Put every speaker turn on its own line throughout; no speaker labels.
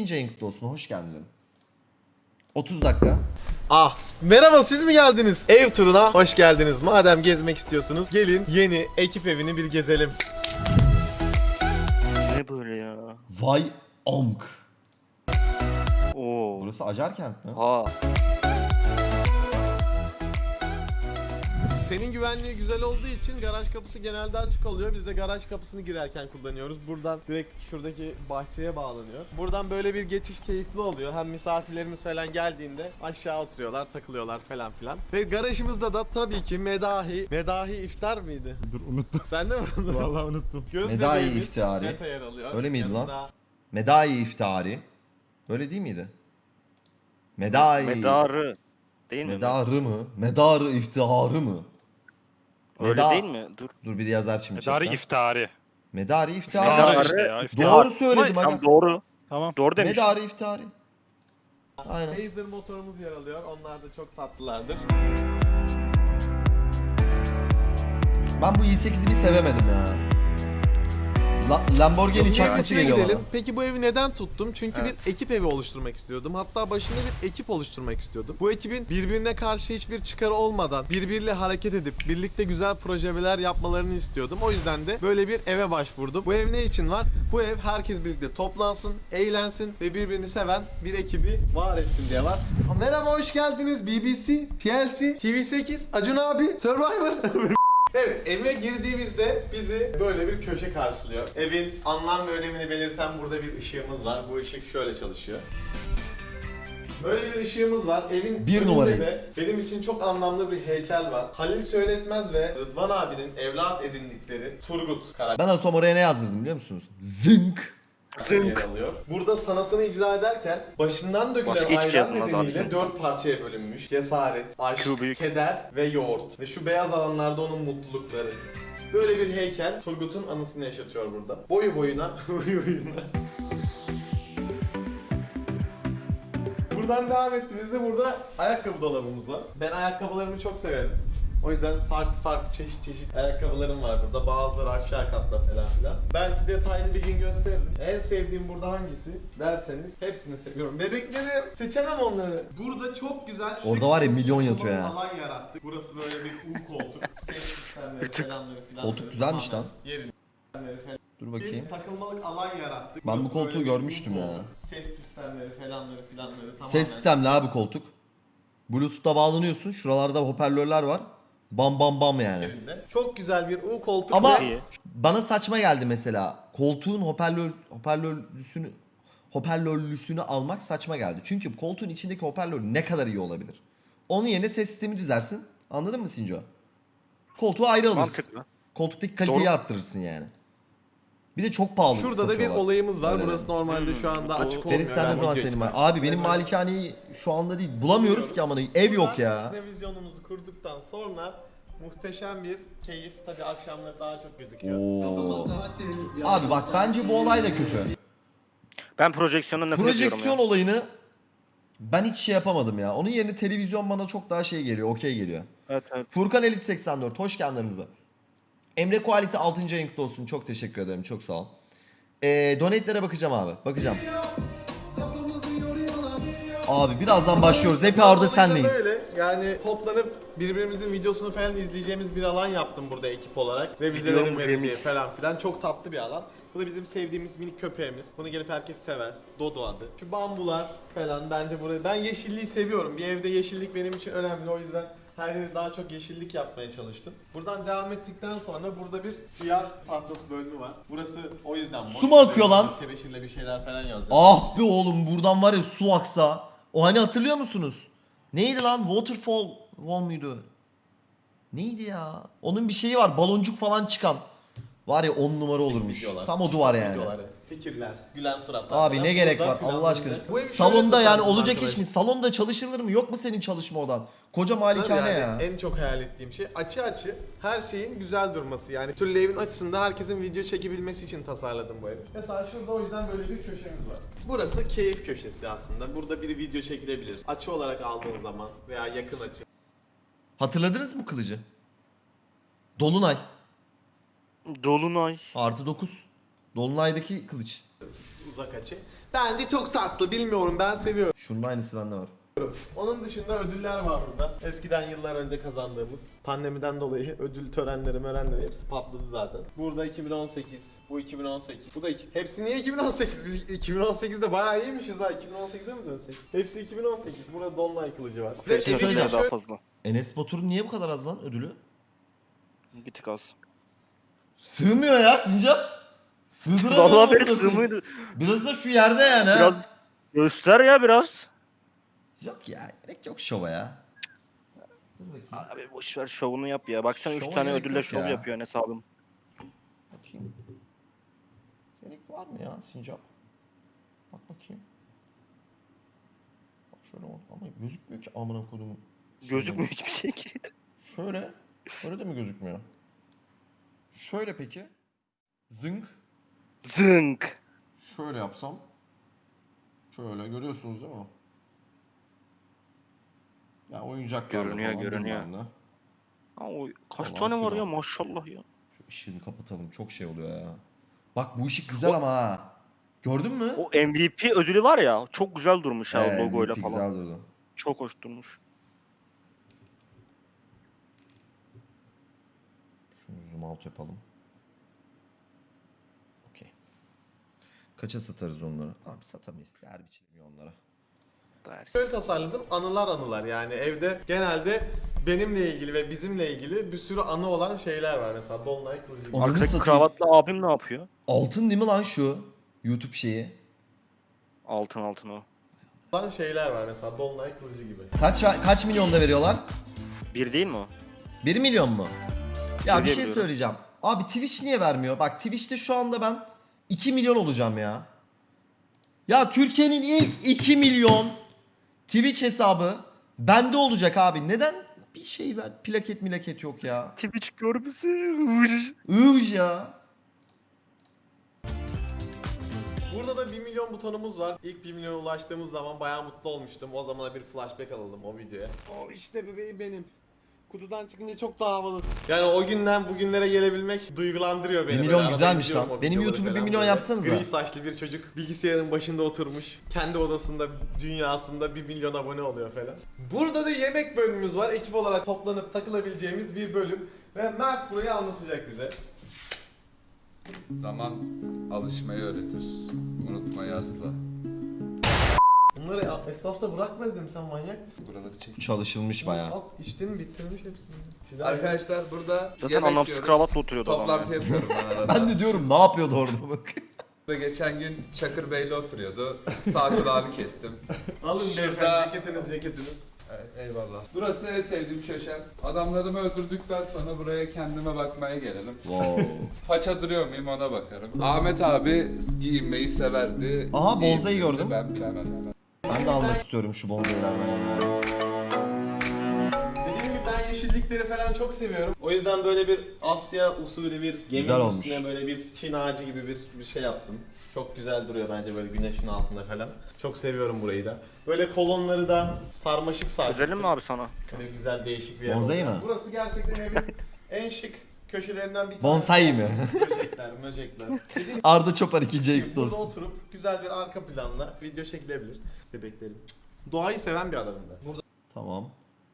5000. ayın kutlu olsun. Hoş geldin. 30 dakika.
Merhaba, siz mi geldiniz? Ev turuna hoş geldiniz. Madem gezmek istiyorsunuz gelin yeni ekip evini bir gezelim.
Ne böyle ya?
Vay amk.
Oo.
Burası Acarkent mi?
Ha.
Senin güvenliği güzel olduğu için garaj kapısı genelde açık oluyor. Biz de garaj kapısını girerken kullanıyoruz. Buradan direkt şuradaki bahçeye bağlanıyor. Buradan böyle bir geçiş keyifli oluyor. Hem misafirlerimiz falan geldiğinde aşağı oturuyorlar, takılıyorlar falan filan. Ve garajımızda da tabii ki Medahi iftar mıydı?
Dur unuttum.
Sen de mi unuttun?
Vallahi unuttum.
Göz
Medahi
bebeğimiz
iftihari.
Meta yer alıyor.
Öyle miydi lan?
Yanında
Medai iftihari. Öyle değil miydi? Medai.
Medarı. Değil mi?
Medarı mı? Medarı iftiharı mı?
Öyle
Meda-
değil mi? Dur.
Dur bir yazar şimdi.
Medari
chatten.
iftari.
Medari
Medari
iftihari.
işte ya. iftihar.
Doğru söyledim
Tam
aga.
doğru.
Tamam.
Doğru demiş.
Medari iftihari. Aynen.
Phaser motorumuz yer alıyor. Onlar da çok tatlılardır.
Ben bu i8'i bir sevemedim ya. Lamborghini çakması
Evine
geliyor
gidelim.
bana.
Peki bu evi neden tuttum? Çünkü
Evet.
bir ekip evi oluşturmak istiyordum. Hatta başında bir ekip oluşturmak istiyordum. Bu ekibin birbirine karşı hiçbir çıkarı olmadan birbiriyle hareket edip birlikte güzel projeler yapmalarını istiyordum. O yüzden de böyle bir eve başvurdum. Bu ev ne için var? Bu ev herkes birlikte toplansın, eğlensin ve birbirini seven bir ekibi var etsin diye var. Merhaba, hoş geldiniz. BBC, TLC, TV8, Acun abi, Survivor. Evet, eve girdiğimizde bizi böyle bir köşe karşılıyor. Evin anlam ve önemini belirten burada bir ışığımız var. Bu ışık şöyle çalışıyor. Böyle bir ışığımız var. Evin
Bir
önünde
numarayız.
de benim için çok anlamlı bir heykel var. Halil Söyletmez ve Rıdvan abinin evlat edindikleri Turgut karakteri
Ben en son oraya ne yazdırdım biliyor musunuz? Zınk.
yer alıyor. Burada sanatını icra ederken başından dökülen
Başka hiçbir şey
ayran
yazılmaz
nedeniyle
abi.
4 parçaya bölünmüş. Cesaret, aşk,
Şu büyük.
keder ve yoğurt. Ve şu beyaz alanlarda onun mutlulukları. Böyle bir heykel Turgut'un anısını yaşatıyor burada. Boyu boyuna, boyu boyuna. Buradan devam ettiğimizde burada ayakkabı dolabımız var. Ben ayakkabılarımı çok severim. O yüzden farklı çeşit ayakkabılarım var burada. Bazıları aşağı katta falan filan. Belki detaylı bir gün gösteririm. En sevdiğim burada hangisi derseniz hepsini seviyorum. Bebekleri seçemem onları. Burada çok güzel şık
Orada var ya, milyon
bir
yatıyor ya.
alan yarattık. Burası böyle bir U koltuk. Ses sistemleri falanları filanları.
Koltuk güzelmiş
tamamen
lan.
Yerinde falan.
Dur bakayım.
Bir takılmalık alan yarattık.
Ben bu
Burası
koltuğu
böyle bir
görmüştüm
U
ya.
koltuk. Ses sistemleri falanları filanları tamamen.
Ses sistemli abi koltuk. Bluetooth'ta bağlanıyorsun. Şuralarda hoparlörler var. Bam bam bam yani.
Yerinde. Çok güzel bir U koltuk.
Ama
İyi.
bana saçma geldi mesela. Koltuğun hoparlörlüsünü almak saçma geldi. Çünkü koltuğun içindeki hoparlör ne kadar iyi olabilir? Onun yerine ses sistemi düzersin. Anladın mı Sinco? Koltuğu ayrı alırsın.
Mantıklı.
Koltuktaki kaliteyi
Doğru.
arttırırsın yani. Bir de çok pahalı
Şurada da bir
satıyorlar.
olayımız var.
Öyle
Burası normalde şu anda açık olmuyor.
Ferit sen ne
Yani
zaman
video
senin var?
için.
Abi benim malikaneyi şu anda değil. Bulamıyoruz ki amanı. Ev yok ya.
Televizyonumuzu kurduktan sonra muhteşem bir keyif. Tabii akşamları daha çok gözüküyor.
Oo. Abi bak bence bu olay da kötü.
Ben projeksiyondan nefret ediyorum
Projeksiyon
ya.
olayını ben hiç şey yapamadım ya. Onun yerine televizyon bana çok daha şey geliyor. Okey geliyor.
Evet evet.
Furkan Elit 84 hoş geldin aramıza. Emre Quality 6. ayın kutlu olsun. Çok teşekkür ederim. Çok sağ ol. Donate'lere bakacağım abi. Bakacağım. Abi birazdan başlıyoruz. Hep orada senleyiz.
Böyle yani toplanıp birbirimizin videosunu falan izleyeceğimiz bir alan yaptım burada ekip olarak. Ve
Biliyorum,
vizelerin vereceği
remix.
falan filan. Çok tatlı bir alan. Bu da bizim sevdiğimiz minik köpeğimiz. Bunu gelip herkes sever. Dodo adı. Şu bambular falan bence burayı. Ben yeşilliği seviyorum. Bir evde yeşillik benim için önemli. O yüzden her yeri daha çok yeşillik yapmaya çalıştım. Buradan devam ettikten sonra burada bir siyah tahtası bölümü var. Burası o yüzden boş.
Su mu akıyor lan?
Tebeşirle bir şeyler falan yazacağım.
Ah be oğlum buradan var ya su aksa. O hani hatırlıyor musunuz? Neydi lan? Waterfall muydu? Neydi ya? Onun bir şeyi var. Baloncuk falan çıkan. Var ya 10 numara olurmuş.
Videolar.
Tam o duvar yani.
Videoları, fikirler, gülen suratlar.
Abi
falan.
ne gerek
Burada
var Allah
planlandı.
aşkına.
Bu evi şöyle
Salonda yani
tasarladım
olacak
arkadaşlar.
iş mi? Salonda çalışılır mı? Yok mu senin çalışma odan? Koca malikane
Yani
ya.
en çok hayal ettiğim şey açı her şeyin güzel durması. Yani türlü evin açısında herkesin video çekebilmesi için tasarladım bu evi. Mesela şurada o yüzden böyle bir köşemiz var. Burası keyif köşesi aslında. Burada bir video çekilebilir. Açı olarak aldığın zaman veya yakın açı.
Hatırladınız mı kılıcı? Dolunay.
Dolunay.
Artı 9. Dolunay'daki kılıç.
Uzak açı. Bence çok tatlı, bilmiyorum, ben seviyorum.
Şunun aynısı bende var.
Onun dışında ödüller var burada. Eskiden yıllar önce kazandığımız. Pandemiden dolayı ödül törenleri hepsi patladı zaten. Burada 2018, bu 2018, bu da hepsi niye 2018? Biz 2018'de bayağı iyiymişiz ha. 2018'e mi dönsek? Hepsi 2018. Burada Dolunay kılıcı var.
Şey
söyleyeceğim.
söyleyeceğim daha fazla.
Enes Batur'un niye bu kadar az lan ödülü?
Bir tık az.
Sığmıyor ya Sincap. Sığdıramıyor.
Vallahi benim
amına koyayım.
sığmıydı.
Biraz da şu yerde yani. ha.
Biraz göster ya biraz.
Yok ya, gerek yok şova ya. Dur bakayım.
Abi boş ver şovunu yap ya. Baksana 3
Şova
tane
gerek
ödülle
yok
şov
ya.
yapıyor Enes abim.
Bakayım. Gerek var mı ya Sincap? Bak bakayım. Bak şöyle oldu ama gözükmüyor ki amına kodumun.
Gözükmüyor hiçbir şey ki.
Şöyle. Öyle de mi gözükmüyor? Şöyle peki. Zınk.
Zınk.
Şöyle yapsam. Şöyle görüyorsunuz değil mi? Ya oyuncaklarla
Görünüyor,
falan
görünüyor.
bilmem ne.
Ha, o kaç
Falan
tane var
filan.
ya maşallah ya.
Şu ışığını kapatalım. Çok şey oluyor ya. Bak bu ışık güzel ama ha. Gördün mü?
O MVP ödülü var ya çok güzel durmuş ha logoyla
MVP
falan.
güzel durdu.
Çok hoş durmuş.
Şunu zoom out yapalım. Okey. Kaça satarız onları? Abi satamayız. Değer biçilmiyor onlara.
Şöyle tasarladım, anılar yani evde genelde benimle ilgili ve bizimle ilgili bir sürü anı olan şeyler var, mesela Dolunay kılıcı gibi.
Ananı
Arkadaki
satayım.
kravatlı abim ne yapıyor?
Altın değil mi lan şu? YouTube şeyi.
Altın altın o.
Olan şeyler var, mesela Dolunay kılıcı gibi.
Kaç milyonda veriyorlar?
Bir değil mi o?
1 milyon mu? Ya bir şey
Biliyorum.
söyleyeceğim. Abi Twitch niye vermiyor? Bak Twitch'te şu anda ben 2 milyon olacağım ya. Ya Türkiye'nin ilk 2 milyon Twitch hesabı bende olacak abi. Neden bir şey ver? Plaket yok ya.
Twitch görmesi.
Ivj ya.
Burada da 1 milyon butonumuz var. İlk 1 milyona ulaştığımız zaman bayağı mutlu olmuştum. O zamana bir flashback alalım o videoya. O işte bebeğim benim. Kutudan çıkınca çok daha havalı. Yani o günden bugünlere gelebilmek duygulandırıyor beni.
1 milyon
Böyle arada
güzelmiş
izliyorum
lan.
o
Benim
videoları
YouTube'u 1
falan
milyon
böyle.
yapsanıza.
Gri saçlı bir çocuk bilgisayarın başında oturmuş. Kendi odasında, dünyasında 1 milyon abone oluyor falan. Burada da yemek bölümümüz var. Ekip olarak toplanıp takılabileceğimiz bir bölüm. Ve Mert burayı anlatacak bize.
Zaman alışmayı öğretir. Unutmayı asla.
Bunları etrafta bırakma dedim, sen manyak mısın?
Buraları çek.
Çalışılmış bayağı.
Alt içtim, bitirmiş hepsini. Silah
Arkadaşlar burada
Zaten
yemek
anlamsız
yiyoruz.
kravatla oturuyordu adam.
Toplantı
yani.
yapıyorum ben arada.
Ben de diyorum ne yapıyordu orada bak.
Ve geçen gün Çakır Bey'le oturuyordu. Sağ kulağını kestim.
Alın
Şurada-
beyefendi, ceketiniz.
Evet, eyvallah. Burası en sevdiğim köşem. Adamlarımı öldürdükten sonra buraya kendime bakmaya gelelim.
Wow.
Paça duruyor muyum ona bakarım. Ahmet abi giyinmeyi severdi.
Aha, bonsai
Giyindiğinde
gördüm.
Ben bilemem.
Ben de almak istiyorum şu bonzailerden ya.
Dediğim gibi ben yeşillikleri falan çok seviyorum. O yüzden böyle bir Asya usulü bir gemi
Güzel olmuş.
üstüne böyle bir Çin ağacı gibi bir şey yaptım. Çok güzel duruyor bence böyle güneşin altında falan. Çok seviyorum burayı da. Böyle kolonları da sarmaşık sardık.
Özelim mi abi sana?
Böyle güzel değişik bir yer
Bonsai
oldu.
mi?
Burası gerçekten evin en şık köşelerinden bir tanesi.
Bonsai mi?
Möcekler. Dediğim
Arda Çopar 2.
gibi
kutlu
burada
olsun.
oturup güzel bir arka planla video çekilebilir bebeklerim. Doğayı seven bir adamım ben. Burada
Tamam.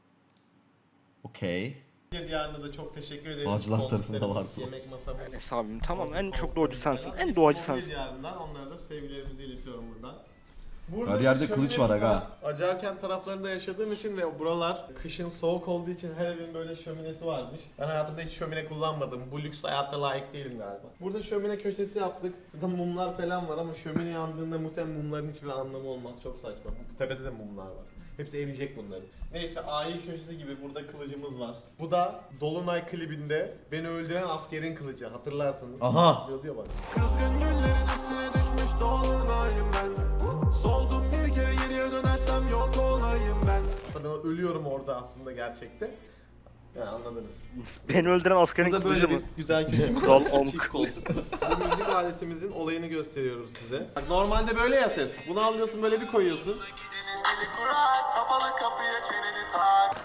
Okey.
Diyarına da çok teşekkür ederim.
Bağcılar tarafında var bu.
Yemek masamız.
Enes abim tamam en çok doğacı sensin. En doğacı sensin.
Diyarından onlara da sevgilerimizi iletiyorum buradan.
Her yerde
bir
kılıç var
şöminemiz
aga.
Acarkent taraflarında yaşadığım için ve buralar kışın soğuk olduğu için her evin böyle şöminesi varmış. Ben hayatımda hiç şömine kullanmadım. Bu lüks hayatta layık değilim galiba. Burada şömine köşesi yaptık. Burada mumlar falan var ama şömine yandığında muhtemelen mumların hiçbir anlamı olmaz. Çok saçma. Tepede de mumlar var. Hepsi eriyecek bunların. Neyse ahil köşesi gibi burada kılıcımız var. Bu da Dolunay klibinde beni öldüren askerin kılıcı, hatırlarsınız.
Aha.
Diyor bana.
Kızgın güllerin üstüne düşmüş dolunayım ben. Soldum bir kere geriye dönersem yok olayım ben.
Ben ölüyorum orada aslında gerçekte. Yani anladınız.
Beni öldüren askerin
Burada
kılıcı
böyle
mı?
bir güzel küçük
Kral
çift
Amk.
koltuk. Bu müzik aletimizin olayını gösteriyoruz size. Bak normalde böyle ya ses. Bunu alıyorsun böyle bir koyuyorsun.
Eli kurak kapalı kapıya çeneni tak.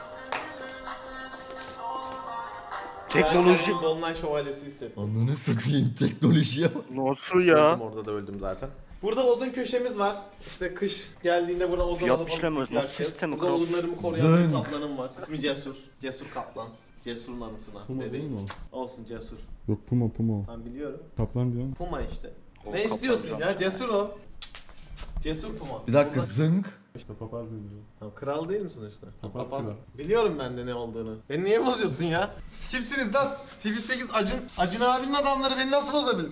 Teknoloji.
Dolunay şövalyesi hissettim.
Ananı satayım teknolojiye bak.
Nasıl
Öldüm
ya?
orada da öldüm zaten. Burada odun köşemiz var. İşte kış geldiğinde burada odun
Fiyat
alıp
işlemiyoruz. Nasıl
yakacağız.
sistemi
Burada
kral?
odunlarımı koruyan bir
Zınk.
kaplanım var. İsmi Cesur. Cesur Kaplan. Cesur'un anısına.
Puma değil
bebeğim.
mi o?
Olsun Cesur.
Yok Puma.
Ben biliyorum.
Kaplan diyorum.
Puma işte.
O
Ne
kaplan
istiyorsun
diyorum.
ya? Cesur o. Cesur Puma.
Bir dakika
Burada-
zınk.
İşte papaz diyor.
Tamam, kral değil misin işte?
Papaz
Papaz.
kral.
Biliyorum ben de ne olduğunu. Beni niye bozuyorsun ya? Siz kimsiniz lan? TV8 Acun abinin adamları beni nasıl bozabilir?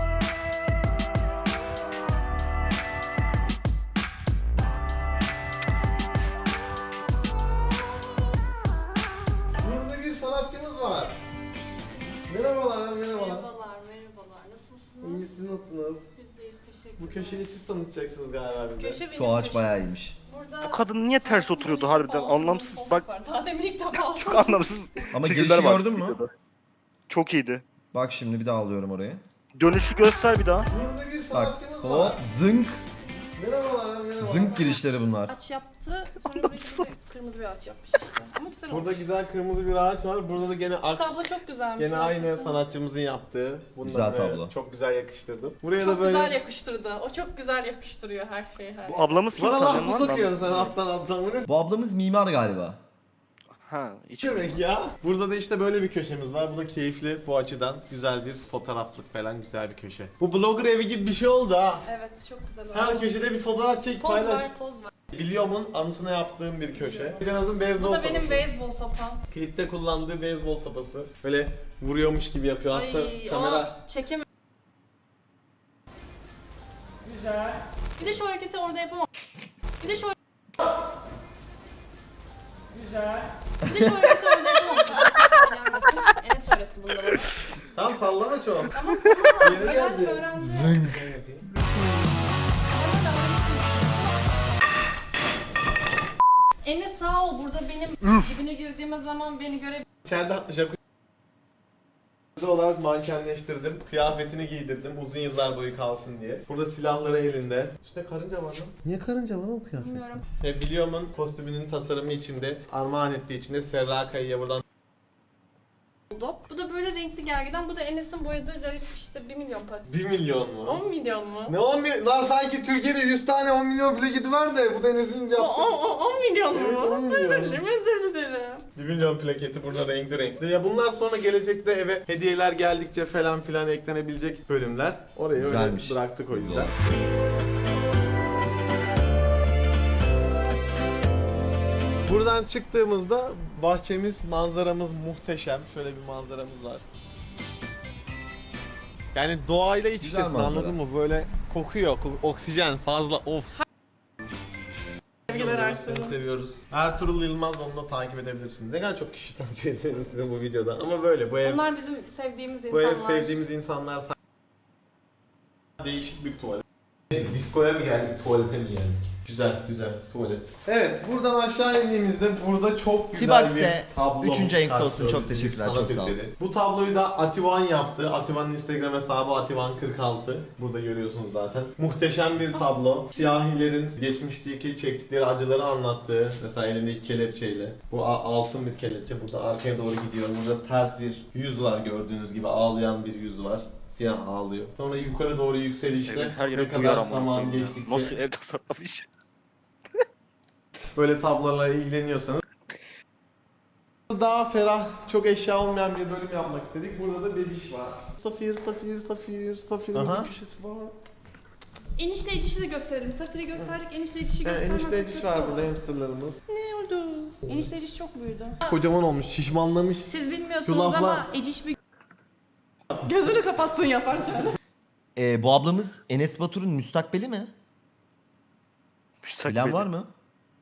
Burada bir sanatçımız var. Merhabalar.
Merhabalar. Nasılsınız?
İyi, siz nasılsınız?
Biz deyiz, teşekkür
Bu köşeyi siz tanıtacaksınız galiba bize.
Köşe benim
Şu ağaç
köşem.
bayağı iyiymiş.
Burada
Bu kadın niye ters oturuyordu harbiden? Anlamsız. Bak
Daha demin ilk defa aldım.
çok anlamsız.
Ama
figürler
girişi
var
gördün mü?
videoda. Çok iyiydi.
Bak şimdi bir daha alıyorum orayı.
Dönüşü göster bir daha.
Burada bir
Bak
sanatçımız
hop
var.
zınk.
Merhabalar.
Zınk girişleri bunlar.
Ağaç yaptı. Sonra böyle kırmızı bir ağaç yapmış işte. Ama güzel oldu.
Burada güzel kırmızı bir ağaç var. Burada da gene
Şu
aks.
tablo çok güzelmiş.
Gene aynı
gerçekten.
sanatçımızın yaptığı. Bunları
Güzel tablo.
Çok güzel yakıştırdım. Buraya
Çok
da böyle...
güzel yakıştırdı. O çok güzel yakıştırıyor her şeyi. Her
Bu ablamız kim
Bana laf
tanıyan
mı
var mı?
sokuyorsun sen alttan bu ne
Bu ablamız mimar galiba.
Ha, hiç
demek ya? Burada da işte böyle bir köşemiz var. Bu da keyifli bu açıdan. Güzel bir fotoğraflık falan güzel bir köşe. Bu blogger evi gibi bir şey oldu ha.
Evet çok güzel oldu.
Her köşede bir fotoğraf çek
Poz
paylaş.
ver, poz ver.
Biliyorum'un anısına yaptığım bir köşe. Cenaz'ın beyzbol
Bu da
sopası.
benim beyzbol sopam.
Klipte kullandığı beyzbol sopası. Böyle vuruyormuş gibi yapıyor. Aslında
Ay,
kamera...
o çekemem. Güzel. Bir de şu hareketi orada yapamam. Bir de şu Güzel. Bir de şu hareketi orada yapamam. Gelmesin. Enes öğretti bunu da bana.
Tam sallama çok.
Tamam tamam.
Yeni
Öğrendim
geldi.
öğrendim.
Zınk.
Enes sağ ol burada benim dibine girdiğimiz zaman beni görebilir.
İçeride jacuzzi olarak mankenleştirdim. Kıyafetini giydirdim uzun yıllar boyu kalsın diye. Burada silahları elinde. Üstte karınca var lan. Niye karınca var o kıyafet?
Bilmiyorum.
Biliyorum'un kostümünün tasarımı içinde, armağan ettiği içinde Serra Kaya'ya buradan
Oldu. Bu da böyle renkli gergeden. Bu da Enes'in boyadığı garip işte 1 milyon para.
1 milyon mu?
10 milyon mu?
Ne 10 milyon? Lan sanki Türkiye'de 100 tane 10 milyon plaketi var da bu da Enes'in yaptığı.
10 milyon
Evet, 10
mu?
milyon.
Özür dilerim, özür dilerim.
1 milyon plaketi burada renkli renkli. Ya bunlar sonra gelecekte eve hediyeler geldikçe falan filan eklenebilecek bölümler. Oraya
Güzelmiş.
öyle bıraktık o yüzden. Buradan çıktığımızda bahçemiz, manzaramız muhteşem. Şöyle bir manzaramız var. Yani doğayla iç
Güzel
içesin
manzara.
anladın mı? Böyle kokuyor, oksijen fazla of.
Sevgiler
Seni
Ertuğrul.
seviyoruz. Ertuğrul Yılmaz, onu da takip edebilirsin. Ne kadar çok kişi takip etsin istedim bu videoda. Ama böyle bu ev,
Onlar bizim sevdiğimiz
bu
insanlar.
ev sevdiğimiz insanlar. Değişik bir tuvalet. Diskoya mı geldik, tuvalete mi geldik? Güzel, güzel tuvalet. Evet, buradan aşağı indiğimizde burada çok güzel
Tibaks'e
bir tablo.
3. ayınkta olsun.
karşılıyor
Çok
bizi,
teşekkürler,
sanat
çok sağ olun.
eseri. Bu tabloyu da Ativan yaptı. Ativan'ın Instagram hesabı Ativan46. Burada görüyorsunuz zaten. Muhteşem bir tablo. Siyahilerin geçmişteki çektikleri acıları anlattığı. Mesela elindeki kelepçeyle. Bu altın bir kelepçe. Burada arkaya doğru gidiyor. Burada ters bir yüz var gördüğünüz gibi. Ağlayan bir yüz var. Siyah ağlıyor. Sonra yukarı doğru yükselişte
Evin her
ne
yeri
kadar
duyar ama.
zaman geçtikçe
Nasıl ev tasarlamış?
böyle tablolarla ilgileniyorsanız daha ferah, çok eşya olmayan bir bölüm yapmak istedik. Burada da bebiş var. Safir'in
Aha.
bir köşesi var.
Enişte edişi de gösterelim. Safir'i gösterdik, enişte edişi göstermezsek
Enişte ediş
kötü
var
olur.
burada, hamsterlarımız.
Ne oldu? Enişte ediş çok büyüdü.
Kocaman olmuş, şişmanlamış.
Siz bilmiyorsunuz
Şu laflar-
ama Eciş bir... Gözünü kapatsın yaparken.
Bu ablamız Enes Batur'un müstakbeli mi? Bilen var mı?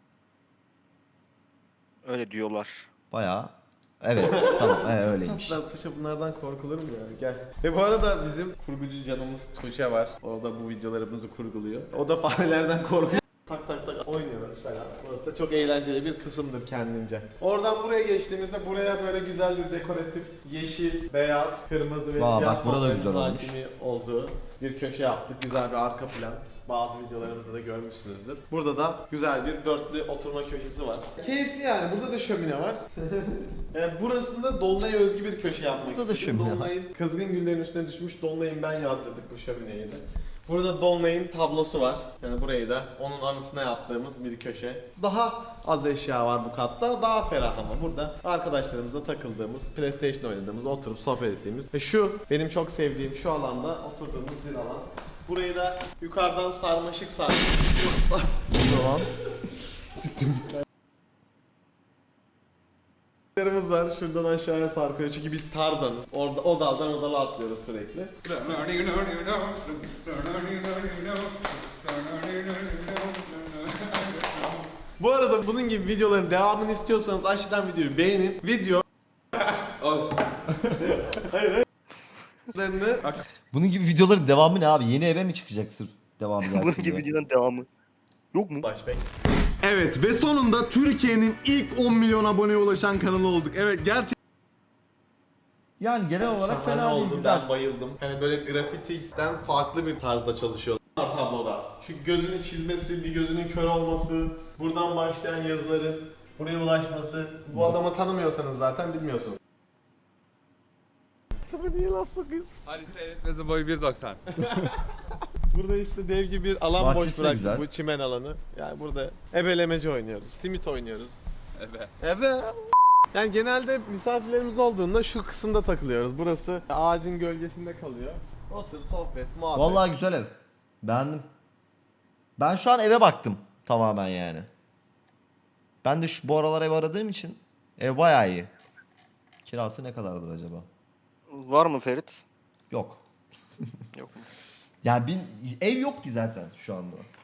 Öyle diyorlar.
Bayağı. Evet tamam öyleymiş.
Tatlar Tuğçe, bunlardan korkulur mu ya? Gel. Ve bu arada bizim kurgucu canımız Tuğçe var. O da bu videolarımızı kurguluyor. O da farelerden korkuyor. Tak tak tak oynuyoruz falan. Burası da çok eğlenceli bir kısımdır kendince. Oradan buraya geçtiğimizde buraya böyle güzel bir dekoratif yeşil, beyaz, kırmızı ve
Vay,
siyah
bak burada da güzel
tonların
olmuş.
hakimi olduğu bir köşe yaptık. Güzel bir arka plan. Bazı videolarımızda da görmüşsünüzdür. Burada da güzel bir dörtlü oturma köşesi var. Keyifli yani. Burada da şömine var. Yani burasında Dolunay'a özgü bir köşe yapmak
Burada da
istedim.
şömine var.
Dolunay'ın kızgın güllerin üstüne düşmüş Dolunay'ın ben yağdırdık bu şömineyi de. Burada Dolunay'ın tablosu var. Yani burayı da onun anısına yaptığımız bir köşe. Daha az eşya var bu katta. Daha ferah ama burada arkadaşlarımızla takıldığımız, PlayStation oynadığımız, oturup sohbet ettiğimiz ve şu benim çok sevdiğim şu alanda oturduğumuz bir alan. Burayı da yukarıdan sarmaşık
Tamam.
sarmaşıklarımız var. Şuradan aşağıya sarkıyor çünkü biz Tarzanız. Orada o daldan o dala atlıyoruz sürekli. Bu arada bunun gibi videoların devamını istiyorsanız aşağıdan videoyu beğenin. Video
Olsun.
Bunun gibi videoların devamı ne abi? Yeni eve mi çıkacak sırf devamı
Bunun
gelsin
gibi
diye?
videonun devamı. Yok mu?
Flashback.
Evet ve sonunda Türkiye'nin ilk 10 milyon aboneye ulaşan kanalı olduk. Evet gerçekten
Yani genel olarak
Şahane
fena değil,
oldu,
güzel.
Ben bayıldım. Hani böyle grafitiden farklı bir tarzda çalışıyor tabloda. Şu gözünün çizmesi, bir gözünün kör olması, buradan başlayan yazıların buraya ulaşması. Bu adamı tanımıyorsanız zaten bilmiyorsunuz. Tabii niye laf sokuyorsun?
Hadi seyretmesi boyu 1.90.
Burada işte dev gibi bir alan
Bahçesi
boş
de
bıraktık,
güzel.
bu çimen alanı. Yani burada ebelemeci oynuyoruz, simit oynuyoruz.
Evet.
Evet. Yani genelde misafirlerimiz olduğunda şu kısımda takılıyoruz. Burası ağacın gölgesinde kalıyor. Otur, sohbet, muhabbet.
Vallahi güzel ev. Beğendim. Ben şu an eve baktım tamamen yani. Ben de bu aralar ev aradığım için ev bayağı iyi. Kirası ne kadardır acaba?
Var mı Ferit?
Yok.
Yok mu?
Yani ev yok ki zaten şu anda.